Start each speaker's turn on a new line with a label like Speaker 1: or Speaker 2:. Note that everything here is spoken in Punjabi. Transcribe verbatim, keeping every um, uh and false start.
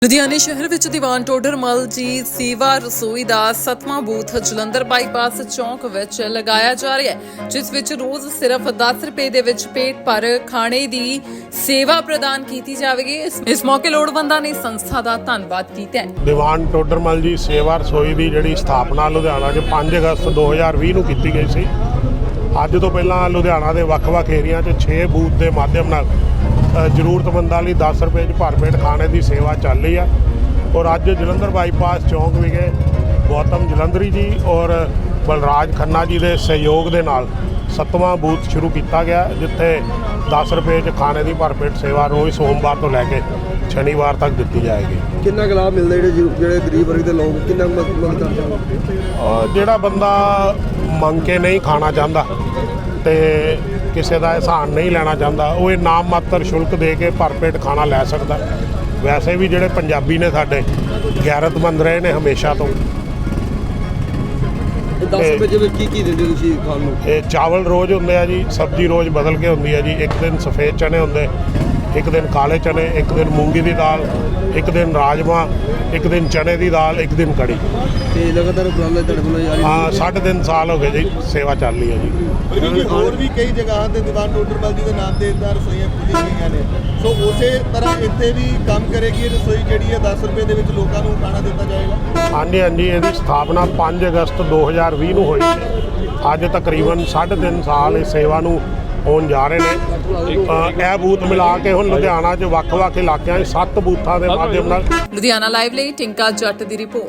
Speaker 1: ਲੁਧਿਆਣੇ ਸ਼ਹਿਰ ਵਿੱਚ ਦੀਵਾਨ ਟੋਡਰਮਲ ਜੀ ਸੇਵਾ ਰਸੋਈ ਦਾ ਸੱਤਵਾਂ ਬੂਥ ਜਲੰਧਰ ਬਾਈਪਾਸ ਚੌਂਕ ਵਿੱਚ ਲਗਾਇਆ ਜਾ ਰਿਹਾ ਹੈ, ਜਿਸ ਵਿੱਚ ਰੋਜ਼ ਸਿਰਫ ਦਸ ਰੁਪਏ ਦੇ ਵਿੱਚ ਪੇਟ ਭਰ ਖਾਣੇ ਦੀ ਸੇਵਾ ਪ੍ਰਦਾਨ ਕੀਤੀ ਜਾਵੇਗੀ। ਇਸ ਇਸ ਮੌਕੇ ਲੋੜਵੰਦਾਂ ਨੇ ਸੰਸਥਾ ਦਾ ਧੰਨਵਾਦ ਕੀਤਾ ਹੈ।
Speaker 2: ਦੀਵਾਨ ਟੋਡਰਮਲ ਜੀ ਸੇਵਾ ਰਸੋਈ ਦੀ ਜਿਹੜੀ ਸਥਾਪਨਾ ਲੁਧਿਆਣਾ 'ਚ ਪੰਜ ਅਗਸਤ ਦੋ ਹਜ਼ਾਰ ਵੀਹ ਨੂੰ ਕੀਤੀ ਗਈ ਸੀ। ਅੱਜ ਤੋਂ ਪਹਿਲਾਂ ਲੁਧਿਆਣਾ ਦੇ ਵੱਖ-ਵੱਖ ਏਰੀਆ 'ਚ ਛੇ ਬੂਥ ਦੇ ਮਾਧਿਅਮ ਨਾਲ ਜ਼ਰੂਰਤਮੰਦਾਂ ਲਈ ਦਸ ਰੁਪਏ 'ਚ ਭਰ ਪੇਟ ਖਾਣੇ ਦੀ ਸੇਵਾ ਚੱਲ ਰਹੀ ਆ। ਔਰ ਅੱਜ ਜਲੰਧਰ ਬਾਈਪਾਸ ਚੌਂਕ ਵਿਖੇ ਗੌਤਮ ਜਲੰਧਰੀ ਜੀ ਔਰ ਬਲਰਾਜ ਖੰਨਾ ਜੀ ਦੇ ਸਹਿਯੋਗ ਦੇ ਨਾਲ ਸੱਤਵਾਂ ਬੂਥ ਸ਼ੁਰੂ ਕੀਤਾ ਗਿਆ, ਜਿੱਥੇ ਦਸ ਰੁਪਏ 'ਚ ਖਾਣੇ ਦੀ ਭਰ ਪੇਟ ਸੇਵਾ ਰੋਜ਼ ਸੋਮਵਾਰ ਤੋਂ ਲੈ ਕੇ ਸ਼ਨੀਵਾਰ ਤੱਕ ਦਿੱਤੀ ਜਾਏਗੀ।
Speaker 3: ਕਿੰਨਾ ਕੁ ਲਾਭ ਮਿਲਦਾ ਜਿਹੜੇ ਜਿਹੜੇ ਗਰੀਬ ਵਰਗ ਦੇ ਲੋਕ ਕਿੰਨਾ ਕੁ ਮਦਦ ਕਰਦੇ ਹਨ?
Speaker 2: ਜਿਹੜਾ ਬੰਦਾ ਮੰਗ ਕੇ ਨਹੀਂ ਖਾਣਾ ਚਾਹੁੰਦਾ ਤੇ ਕਿਸੇ ਦਾ ਅਹਿਸਾਨ ਨਹੀਂ ਲੈਣਾ ਚਾਹੁੰਦਾ, ਉਹ ਇਹ ਨਾਮ ਮਾਤਰ ਸ਼ੁਲਕ ਦੇ ਕੇ ਭਰ ਪੇਟ ਖਾਣਾ ਲੈ ਸਕਦਾ। ਵੈਸੇ ਵੀ ਜਿਹੜੇ ਪੰਜਾਬੀ ਨੇ ਸਾਡੇ ਗੈਰਤਮੰਦ ਰਹੇ ਨੇ ਹਮੇਸ਼ਾ ਤੋਂ।
Speaker 3: ਦਸ ਰੁਪਏ ਜਿਵੇਂ ਕੀ ਕੀ ਦਿੰਦੇ ਤੁਸੀਂ ਖਾਣ ਨੂੰ?
Speaker 2: ਇਹ ਚਾਵਲ ਰੋਜ਼ ਹੁੰਦੇ ਆ ਜੀ, ਸਬਜ਼ੀ ਰੋਜ਼ ਬਦਲ ਕੇ ਹੁੰਦੀ ਹੈ ਜੀ। ਇੱਕ ਦਿਨ ਸਫੇਦ ਚਨੇ ਹੁੰਦੇ, ਇੱਕ ਦਿਨ ਕਾਲੇ ਚਨੇ, ਇੱਕ ਦਿਨ ਮੂੰਗੀ ਦੀ ਦਾਲ, ਇੱਕ ਦਿਨ ਰਾਜਮਾ, ਇੱਕ ਦਿਨ ਚਨੇ ਦੀ ਦਾਲ, ਇੱਕ ਦਿਨ ਕੜੀ।
Speaker 3: ਤੇ ਲਗਾਤਾਰ ਉਪਰਾਲੇ ਤੁਹਾਡੇ ਵੱਲੋਂ ਜਾਰੀ
Speaker 2: ਹਾਂ, ਸਾਢੇ ਤਿੰਨ ਸਾਲ ਹੋ ਗਏ ਜੀ ਸੇਵਾ ਚੱਲ ਰਹੀ ਹੈ ਜੀ।
Speaker 4: ਕਿਉਂਕਿ ਹੋਰ ਵੀ ਕਈ ਜਗ੍ਹਾ ਤੇ ਦੀਵਾਨ ਟੋਡਰਮਲ ਜੀ ਦੇ ਨਾਮ ਤੇ ਇਦਾਂ ਰਸੋਈਆਂ ਖੁੱਲ੍ਹੀਆਂ ਗਈਆਂ ਨੇ, ਸੋ ਉਸੇ ਤਰ੍ਹਾਂ ਇੱਥੇ ਵੀ ਕੰਮ ਕਰੇਗੀ ਇਹ ਰਸੋਈ ਜਿਹੜੀ ਹੈ ਦਸ ਰੁਪਏ ਦੇ ਵਿੱਚ ਲੋਕਾਂ ਨੂੰ ਖਾਣਾ ਦਿੱਤਾ ਜਾਏਗਾ।
Speaker 2: ਹਾਂਜੀ ਹਾਂਜੀ, ਇਹਦੀ ਸਥਾਪਨਾ ਪੰਜ ਅਗਸਤ ਦੋ ਹਜ਼ਾਰ ਵੀਹ ਨੂੰ ਹੋਈ ਸੀ। ਅੱਜ ਤਕਰੀਬਨ ਸਾਢੇ ਤਿੰਨ ਸਾਲ ਇਸ ਸੇਵਾ ਨੂੰ ਹੋਣ ਜਾ ਰਹੇ ਨੇ। ਇਹ ਬੂਥ ਮਿਲਾ ਕੇ ਹੁਣ ਲੁਧਿਆਣਾ 'ਚ ਵੱਖ-ਵੱਖ ਇਲਾਕਿਆਂ 'ਚ ਸੱਤ ਬੂਥਾਂ ਦੇ ਮਾਧਿਅਮ ਨਾਲ।
Speaker 1: ਲੁਧਿਆਣਾ ਲਾਈਵ ਲਈ ਟਿੰਕਾ ਜੱਟ ਦੀ ਰਿਪੋਰਟ।